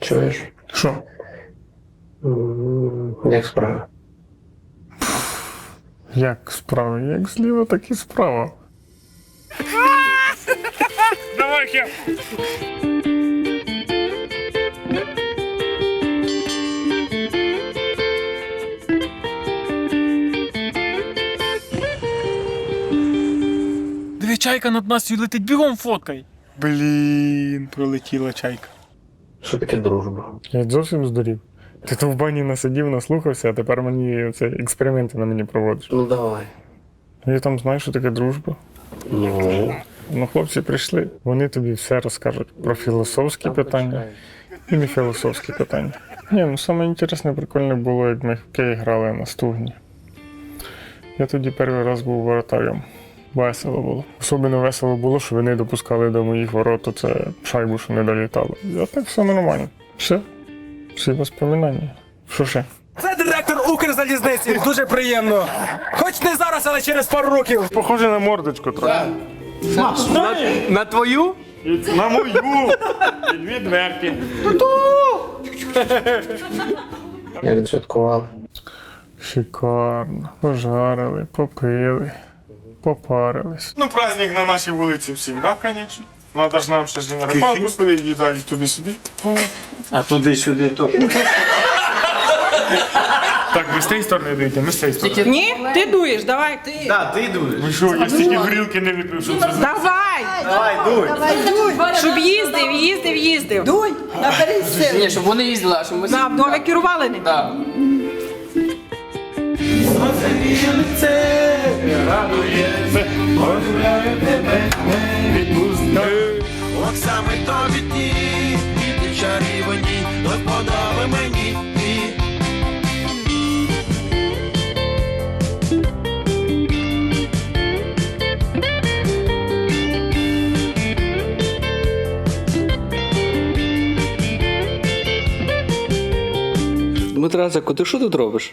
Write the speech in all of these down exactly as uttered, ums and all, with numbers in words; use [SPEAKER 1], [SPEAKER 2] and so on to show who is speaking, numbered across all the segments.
[SPEAKER 1] Чуєш?
[SPEAKER 2] Що?
[SPEAKER 1] М, Як справи?
[SPEAKER 2] Як справа? Як зліва, так і справа. Давай, Хеп!
[SPEAKER 3] Диви, чайка над нас летить, бігом фоткай. Блін, пролетіла чайка.
[SPEAKER 1] Що таке дружба?
[SPEAKER 2] Я зовсім здурів. Ти то в бані насидів, наслухався, а тепер мені це експерименти на мені проводиш.
[SPEAKER 1] Ну давай.
[SPEAKER 2] Я там знаю, що таке дружба.
[SPEAKER 1] Ну,
[SPEAKER 2] Ну, хлопці прийшли, вони тобі все розкажуть про філософські питання і не філософські питання. Ні, ну саме інтересне, прикольне було, як ми в хокей грали на стугні. Я тоді перший раз був воротарем. Весело було. Особливо весело було, що вони допускали до моїх ворот оце шайбу, що не долітало. А так все нормально. Все. Всі воспоминання. Що ще?
[SPEAKER 4] Це директор Укрзалізниці. Дуже приємно. Хоч не зараз, але через пару років.
[SPEAKER 2] Похоже на мордочку трохи.
[SPEAKER 4] На твою?
[SPEAKER 2] На мою! І дві дверки.
[SPEAKER 1] як відсвяткували?
[SPEAKER 2] Шикарно. Пожарили, попили, попарились. Ну, праздник на нашій вулиці всім, так, звісно. Надо ж нам ще ж на рибалку сходити, і далі туди-сюди.
[SPEAKER 5] А туди-сюди то.
[SPEAKER 2] Так, ви з тієї сторони дивіться, ми з цієї сторони.
[SPEAKER 6] Ні, ти дуєш, давай.
[SPEAKER 5] Так, ти йдеш.
[SPEAKER 2] Ви що, я стільки горілки не випив, що це...
[SPEAKER 6] Давай!
[SPEAKER 5] Давай, дуй.
[SPEAKER 6] Щоб їздив, їздив, їздив.
[SPEAKER 7] Дуй, наберись сил.
[SPEAKER 8] Ні, щоб вони їздили, а щоб ми...
[SPEAKER 6] Да, вдове керували ним.
[SPEAKER 8] Так.
[SPEAKER 9] От саме тобі ті, і ти чарівні, до вподоби мені ти.
[SPEAKER 8] Дмитрасику, ти що тут робиш?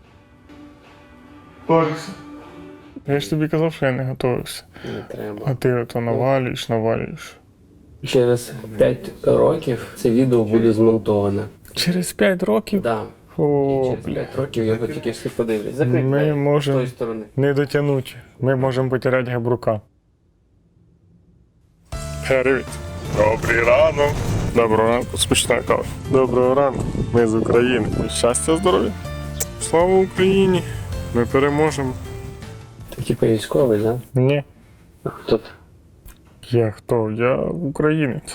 [SPEAKER 2] Борисе. Я ж тобі казав, що я не готувався.
[SPEAKER 1] Не треба.
[SPEAKER 2] А ти ото навалюєш, навалюєш.
[SPEAKER 1] Через п'ять років це відео буде змонтоване.
[SPEAKER 2] Через п'ять років?
[SPEAKER 1] Да.
[SPEAKER 2] О,
[SPEAKER 1] Через
[SPEAKER 2] бля.
[SPEAKER 1] п'ять років його тільки всі подивлять. Закрий
[SPEAKER 2] Ми
[SPEAKER 1] двері з
[SPEAKER 2] можемо
[SPEAKER 1] тої сторони.
[SPEAKER 2] не дотягнути. Ми можемо потеряти габрука. Привіт. Добрий ранок. Доброго ранку, смачна кава. Доброго ранку. Ми з України. Щастя, здоров'я. Слава Україні. Ми переможемо.
[SPEAKER 1] Ти типу військовий, да?
[SPEAKER 2] Ні.
[SPEAKER 1] А хто ти?
[SPEAKER 2] Я хто? Я українець.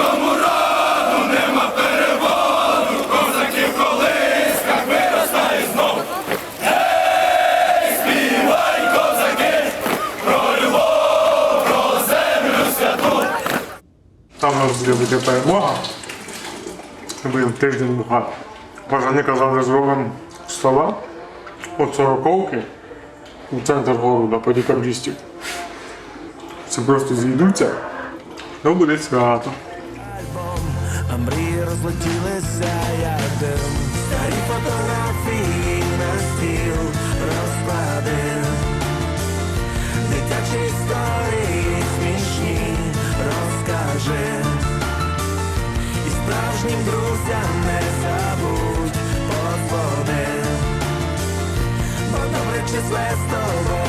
[SPEAKER 2] Там у нас буде бути перемога. Був тиждень бухати. Пожани казали, зробимо стола от сороковки у центр города по декабристів. Це просто зійдуться, то буде свято.
[SPEAKER 9] А мрії розлетілися, як дим. Старі фотографії на стіл розклади. Дитячі історії смішні розкажи. І справжнім друзям не забудь подзвони. Бо добре числе з тобою